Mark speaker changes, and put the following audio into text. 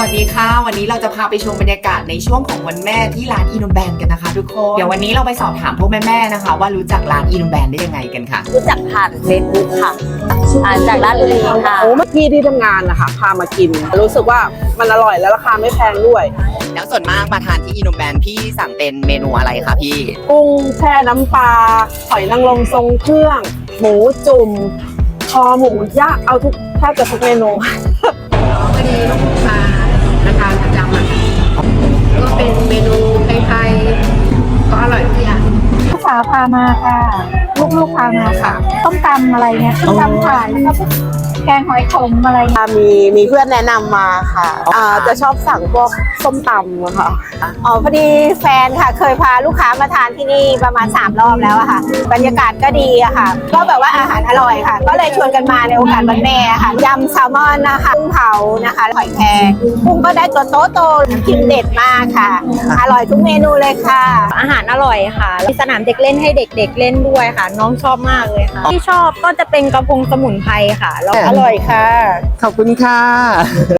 Speaker 1: วัสดีค่ะวันนี้เราจะพาไปชมบรรยากาศในช่วงของวันแม่ที่ร้านอีโนแบนกันนะคะทุกคนเดี๋ยววันนี้เราไปสอบถามพวกแม่ๆนะคะว่ารู้จักร้านอีโนแบนได้ยังไงกันค่ะ
Speaker 2: รู้จักผ่านเฟซบุ๊กค่ะจากร้านบุรีค่ะ
Speaker 3: เมื่อกี้ที่ทำงานนะคะพามากินรู้สึกว่ามันอร่อยและราคาไม่แพงด้วย
Speaker 1: แล้วส่วนมากมาทานที่อีโนแบนพี่สั่งเป็นเมนูอะไรคะพี่
Speaker 3: กุ้งแช่น้ำปลาหอยนางรมทรงเครื่องหมูจุ่มคอหมูย่างเอาแทบจะทุกเมนู
Speaker 4: พอดีลูกค้าทานประจำอะก็เป็นเมนูไทยๆก็อร่อยทุกอย่าง
Speaker 5: ลูกสาวพามาค่ะลูกๆพามาค่ะต้มตำอะไรเนี่ยต้มตำขายแล้วก็แกงหอยขมอะไร
Speaker 3: มีเพื่อนแนะนำมาค่ะจะชอบสั่งพวกส้มตำค่ะ
Speaker 2: พอดีแฟนค่ะเคยพาลูกค้ามาทานที่นี่ประมาณ3 รอบแล้วอะค่ะบรรยากาศก็ดีอะค่ะก็แบบว่าอาหารอร่อยค่ะก็เลยชวนกันมาในโอกาสวันแม่ค่ะยำแซลมอนนะคะกุ้งเผานะคะหอยแครงกุ้งก็ได้ตัวโตๆกินเด็ดมากค่ะอร่อยทุกเมนูเลยค่ะอาหารอร่อยค่ะมีสนามเด็กเล่นให้เด็กๆเล่นด้วยค่ะน้องชอบมากเลยค่ะที่ชอบก็จะเป็นกระพงสมุนไพรค่ะแล้วอร่อยค่ะ
Speaker 1: ขอบคุณค่ะ